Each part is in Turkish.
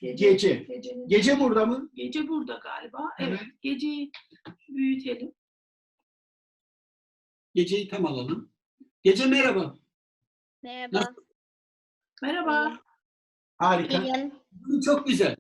Gece. Gecenin, Gece burada mı? gece burada galiba. Evet. Evet. Geceyi büyütelim. Geceyi tam alalım. Gece merhaba. Merhaba. Nasıl? Merhaba. Harika. İyiyim. Bugün çok güzel.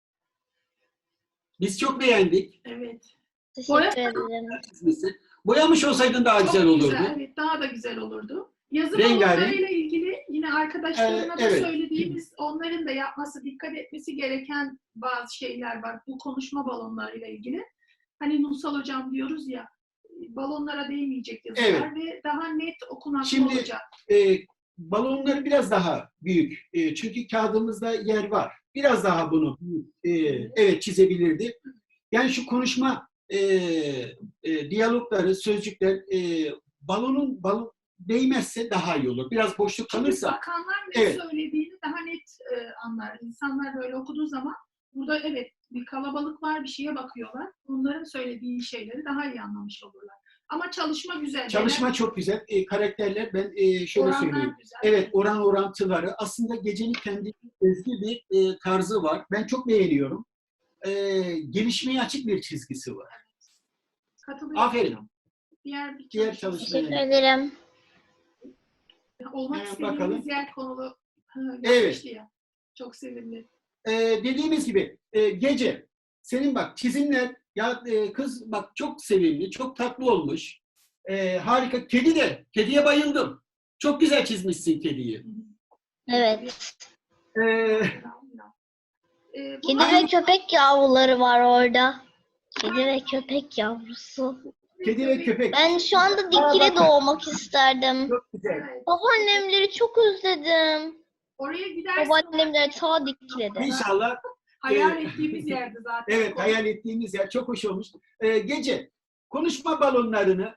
Biz çok beğendik. Evet. Teşekkür ederim. Çizmesi. Boyamış olsaydın daha güzel Çok olurdu. güzel. Evet, daha da güzel olurdu. Yazı Rengarenk. balonlarıyla ilgili yine arkadaşlarıma da Evet. söylediğimiz, onların da yapması, dikkat etmesi gereken bazı şeyler var. Bu konuşma balonlarıyla ilgili. Hani Nursal Hocam diyoruz ya, balonlara değmeyecek yazılar Evet. ve daha net okunaklı Şimdi olacak. balonları biraz daha büyük. Çünkü kağıdımızda yer var. Biraz daha bunu evet çizebilirdi. Yani şu konuşma diyalogları, sözcükler balon değmezse daha iyi olur. Biraz boşluk Çünkü kalırsa. bakanlar ne Evet. söylediğini daha net anlar. İnsanlar böyle okuduğu zaman burada evet bir kalabalık var, bir şeye bakıyorlar. Onların söylediği şeyleri daha iyi anlamış olurlar. Ama çalışma güzel. Çalışma çok güzel. Karakterler ben şöyle Oranlar söyleyeyim. güzel. Evet, oran orantıları. Aslında Gece'nin kendi özgü bir tarzı var. Ben çok beğeniyorum. Gelişmeye açık bir çizgisi var. Katılıyorum. Aferin. Diğer çalışma. Teşekkür ederim. olmak Hemen istediğimiz bakalım. yer konulu Evet. yapmıştı ya. Çok sevimli. Dediğimiz gibi Gece, senin bak çizimler ya kız bak çok sevimli, çok tatlı olmuş. Harika. Kedi de. Kediye bayıldım. Çok güzel çizmişsin kediyi. Evet. Ee, Bu Kedi ve köpek yavruları var orada. Kedi ve köpek yavrusu. Kedi ve köpek. Ben şu anda Aa, dikile bakın. doğmak isterdim. Çok güzel. Evet. Babaannemleri çok özledim. Oraya gidersin. Babaannemler ta Dikili'de. İnşallah. Hayal ettiğimiz yerde zaten. Evet, hayal ettiğimiz yer çok hoş olmuş. Gece, konuşma balonlarını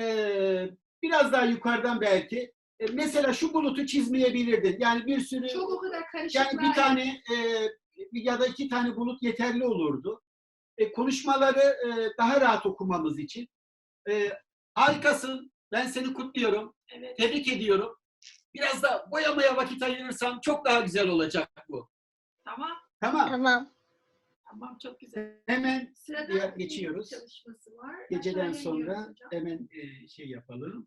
biraz daha yukarıdan belki. Mesela şu bulutu çizmeyebilirdin. Yani bir sürü, Çok o kadar karışık. yani bir tane ya da iki tane bulut yeterli olurdu. Konuşmaları daha rahat okumamız için. Harikasın. Ben seni kutluyorum. Evet. Tebrik ediyorum. Biraz da boyamaya vakit ayırırsan çok daha güzel olacak bu. Tamam. Tamam. Tamam. Tamam, çok güzel. Hemen Sırada diğer bir geçiyoruz. çalışması var. Geceden Aşağıya iniyoruz sonra hocam. hemen şey yapalım.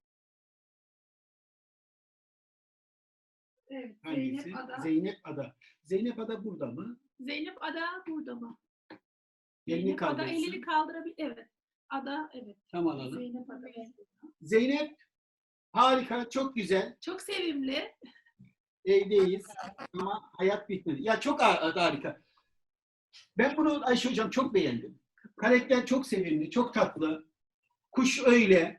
Evet, Hangisi? Zeynep Ada. Zeynep Ada. Zeynep Ada burada mı? Zeynep Ada burada mı? Elini Zeynep Ada kaldırsın. elini kaldırabilir. Evet. Ada evet. Tam alalım. Zeynep Ada. Zeynep harika, çok güzel. Çok sevimli. Evdeyiz ama hayat bitmedi. Ya çok harika. Ben bunu Ayşe Hocam çok beğendim. Karakter çok sevimli, çok tatlı. Kuş öyle.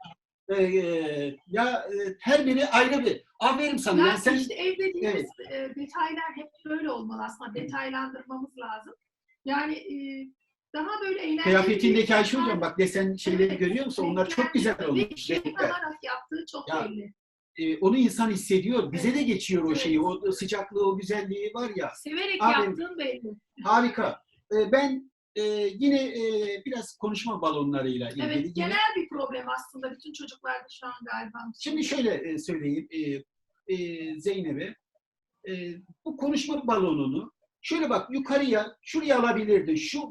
Her biri ayrı bir. Aferin sana. Ya Yani sen işte evdeki evet. detaylar hep böyle olmalı aslında. Detaylandırmamız lazım. Yani daha böyle eğlenceli. kıyafetindeki Ayşe Hocam bak desen şeyleri Evet, görüyor musun? Onlar çok güzel olmuş. Ve Renkler. alarak yaptığı çok Ya, belli. Onu insan hissediyor. Bize de geçiyor o Evet. şeyi. O sıcaklığı, o güzelliği var ya. Severek Aferin. yaptığın belli. Harika. Ben yine biraz konuşma balonlarıyla ilgili. Evet, yine, genel bir problem aslında. Bütün çocuklarda şu an galiba. şimdi şöyle söyleyeyim Zeynep'e. Bu konuşma balonunu şöyle bak yukarıya, şuraya alabilirdin. Şu,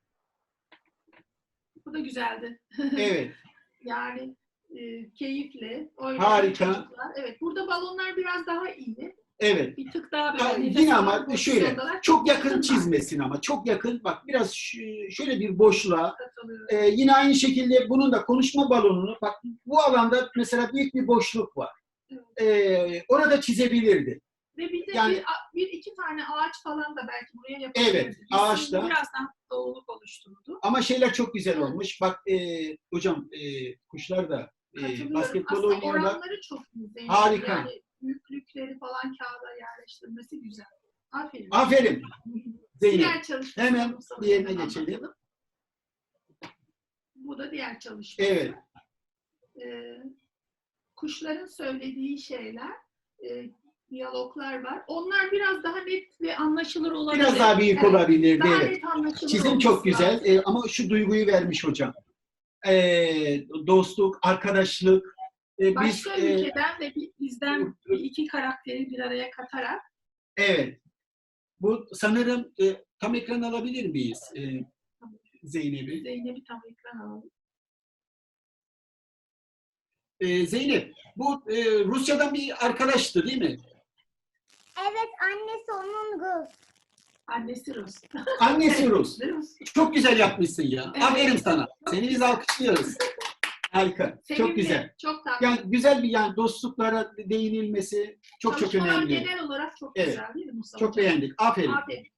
Bu da güzeldi. evet. Yani keyifli. Oynayan Harika. çocuklar. Evet, burada balonlar biraz daha iyi. Evet. Bir tık daha Ha, böyle. yine ama şöyle çok yakın çizmesin ama çok yakın bak biraz şöyle bir boşluğa yine aynı şekilde bunun da konuşma balonunu bak bu alanda mesela büyük bir boşluk var. Orada çizebilirdi. Ve bir de Yani, bir iki tane ağaç falan da belki buraya yapabilirdi. Evet, ağaçta. Biraz daha doğuluk oluşturdu. Ama şeyler çok güzel olmuş. Bak hocam kuşlar da basketbol aslında oynuyorlar. oranları çok güzel. Harika. Yani büyüklükleri falan kağıda yerleştirmesi güzel. Aferin. Aferin. Zeynep. Diğer çalışma. Hemen diğerine geçelim. Bu da diğer çalışma. Evet. Kuşların söylediği şeyler, diyaloglar var. Onlar biraz daha net ve anlaşılır olabilir. Biraz daha büyük olabilirdi. Daha Evet. net anlaşılır. Çizim çok güzel ama şu duyguyu vermiş hocam. Dostluk, arkadaşlık. Başka ülkeden ve bizden bir iki karakteri bir araya katarak evet. Bu sanırım tam ekran alabilir miyiz Zeynep'i? Zeynep'i tam ekran alalım. Zeynep, bu Rusya'dan bir arkadaştı değil mi? Evet, annesi onun Rus. Annesi Rus. Annesi Rus. Rus. Çok güzel yapmışsın ya. Evet. Aferin sana. Seni biz alkışlıyoruz. Harika. Çok Sevimli, güzel. çok tatlı. Yani güzel bir dostluklara değinilmesi çok Çalışmalar önemli. genel olarak çok Evet. güzel değil mi Mustafa Çok Hocam? beğendik. Aferin. Aferin.